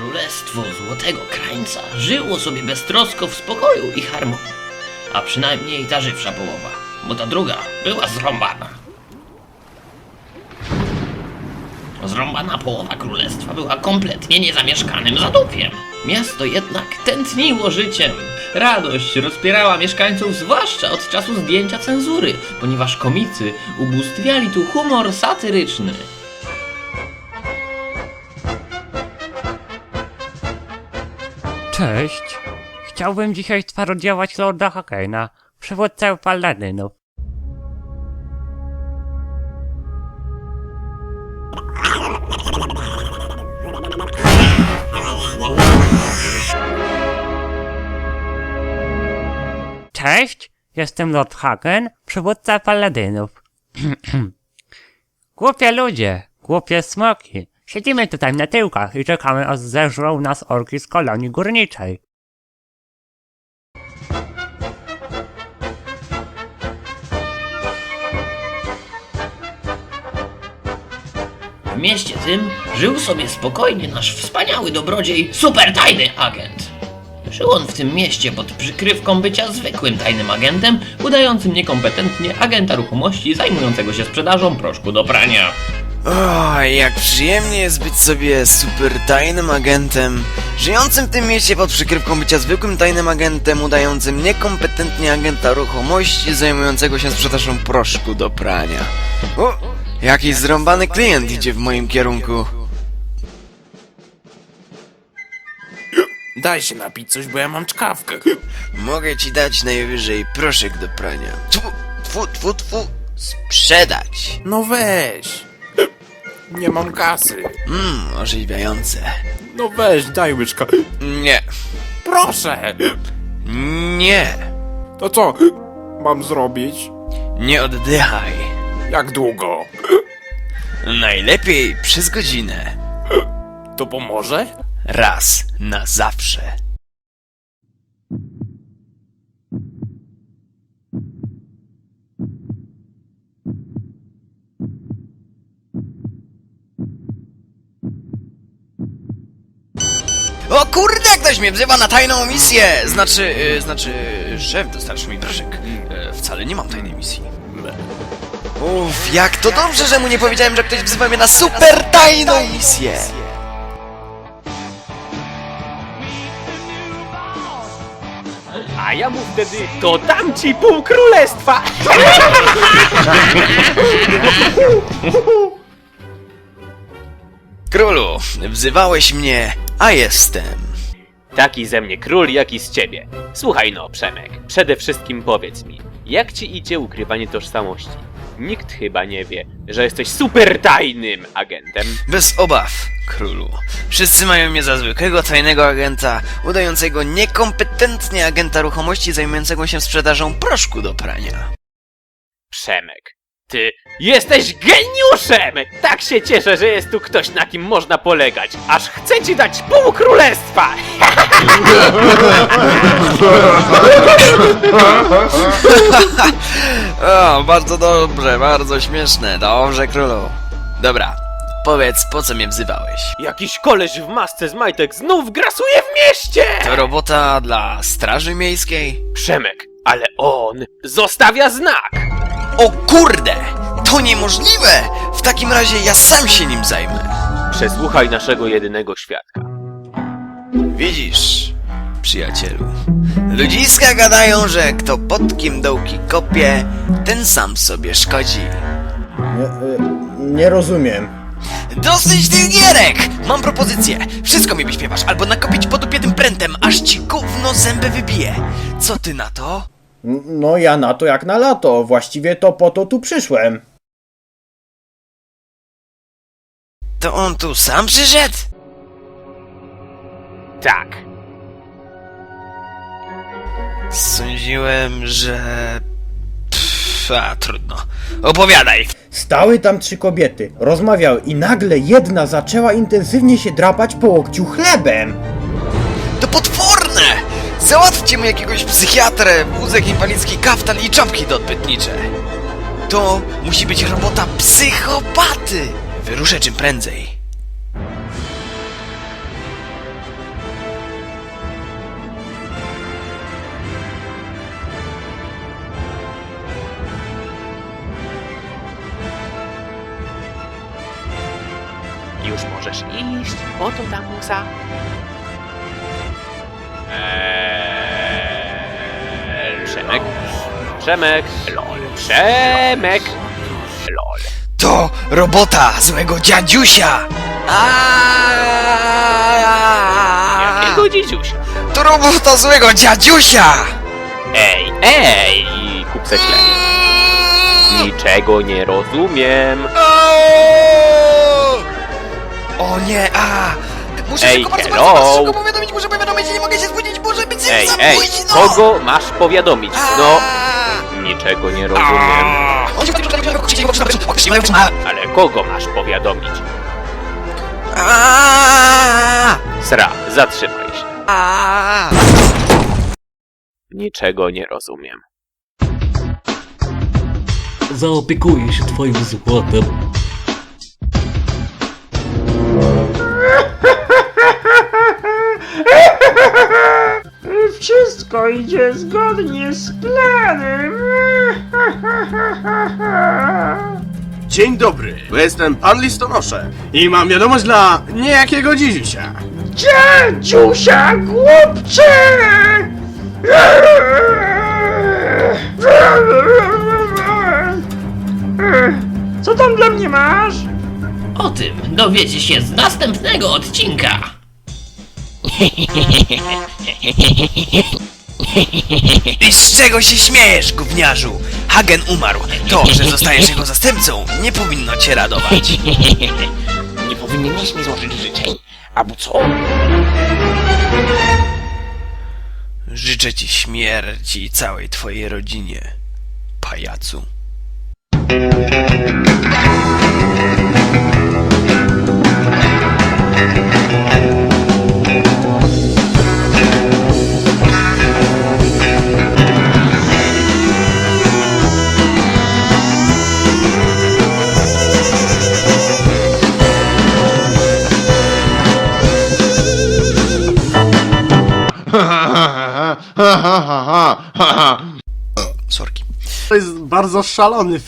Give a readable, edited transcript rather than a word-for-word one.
Królestwo Złotego Krańca żyło sobie beztrosko w spokoju i harmonii. A przynajmniej ta żywsza połowa, bo ta druga była zrąbana. Zrąbana połowa królestwa była kompletnie niezamieszkanym zadupiem. Miasto jednak tętniło życiem. Radość rozpierała mieszkańców zwłaszcza od czasu zdjęcia cenzury, ponieważ komicy ubóstwiali tu humor satyryczny. Cześć. Chciałbym dzisiaj sparodiować Lorda Hakena, przywódcę paladynów. Cześć, jestem Lord Haken, przywódca paladynów. Głupie ludzie, głupie smoki. Siedzimy tutaj na tyłkach i czekamy, aż zeżrą nas orki z kolonii górniczej. W mieście tym żył sobie spokojnie nasz wspaniały dobrodziej, supertajny agent. Żył on w tym mieście pod przykrywką bycia zwykłym tajnym agentem, udającym niekompetentnie agenta ruchomości zajmującego się sprzedażą proszku do prania. O, jak przyjemnie jest być sobie super tajnym agentem, żyjącym w tym mieście pod przykrywką bycia zwykłym tajnym agentem, udającym niekompetentnie agenta ruchomości zajmującego się sprzedażą proszku do prania. O, jakiś zrąbany klient idzie w moim kierunku. Daj się napić coś, bo ja mam czkawkę. Mogę ci dać najwyżej proszek do prania. Tfu, sprzedać. No weź. Nie mam kasy. Orzeźwiające. No weź, daj łyczka. Nie. Proszę. Nie. To co mam zrobić? Nie oddychaj. Jak długo? Najlepiej przez godzinę. To pomoże? Raz na zawsze. O kurde, ktoś mnie wzywa na tajną misję! Znaczy, szef dostarczył mi proszek. Wcale nie mam tajnej misji. Uff, jak to dobrze, że mu nie powiedziałem, że ktoś wzywa mnie na super tajną misję! A ja mu wtedy, to dam ci pół królestwa! Królu, wzywałeś mnie, a jestem. Taki ze mnie król, jak i z ciebie. Słuchaj no, Przemek, przede wszystkim powiedz mi, jak ci idzie ukrywanie tożsamości? Nikt chyba nie wie, że jesteś super tajnym agentem. Bez obaw, królu. Wszyscy mają mnie za zwykłego tajnego agenta, udającego niekompetentnie agenta ruchomości zajmującego się sprzedażą proszku do prania. Przemek, ty jesteś geniuszem! Tak się cieszę, że jest tu ktoś, na kim można polegać. Aż chcę ci dać pół królestwa! O, bardzo dobrze, bardzo śmieszne. Dobrze, królu. Dobra, powiedz, po co mnie wzywałeś? Jakiś koleś w masce z majtek znów grasuje w mieście! To robota dla straży miejskiej? Przemek, ale on zostawia znak! O kurde! To niemożliwe! W takim razie ja sam się nim zajmę. Przesłuchaj naszego jedynego świadka. Widzisz, przyjacielu, ludziska gadają, że kto pod kim dołki kopie, ten sam sobie szkodzi. Nie rozumiem. Dosyć tych gierek! Mam propozycję. Wszystko mi wyśpiewasz, albo nakopić po dupie tym prętem, aż ci gówno zęby wybije. Co ty na to? No ja na to jak na lato. Właściwie to po to tu przyszłem. To on tu sam przyszedł? Tak. Sądziłem, że... trudno. Opowiadaj. Stały tam 3 kobiety, rozmawiały i nagle jedna zaczęła intensywnie się drapać po łokciu chlebem. To potworne! Załatwcie mu jakiegoś psychiatrę, wózek inwalidzki, kaftan i czapki doodbytnicze. To musi być robota psychopaty. Wyruszę czym prędzej. Już możesz iść. Oto ta muza. Przemek. Przemek. Lol. Przemek. Lol. To robota złego dziadziusia! Jakiego dziedziusia? To robota złego dziadziusia! Ej, kupce klej. Niczego nie rozumiem. O nie, muszę Ej, szybko, hello. bardzo szybko powiadomić, muszę powiadomić, nie mogę się spóźnić, może być Ej, zabójstwo! kogo masz powiadomić? No, niczego nie rozumiem. Ale kogo masz powiadomić? Sra, zatrzymaj się. Niczego nie rozumiem. Zaopiekuję się twoim złotem. Wszystko idzie zgodnie z planem. Dzień dobry, bo jestem pan listonosze i mam wiadomość dla niejakiego dzidzisia. Dziusia, głupcze! Co tam dla mnie masz? O tym dowiecie się z następnego odcinka. I z czego się śmiejesz, gówniarzu? Hagen umarł. To, że zostajesz jego zastępcą, nie powinno cię radować. Nie powinieneś mi złożyć życzeń? Albo co? Życzę ci śmierci całej twojej rodzinie, pajacu. Sorki. To jest bardzo szalony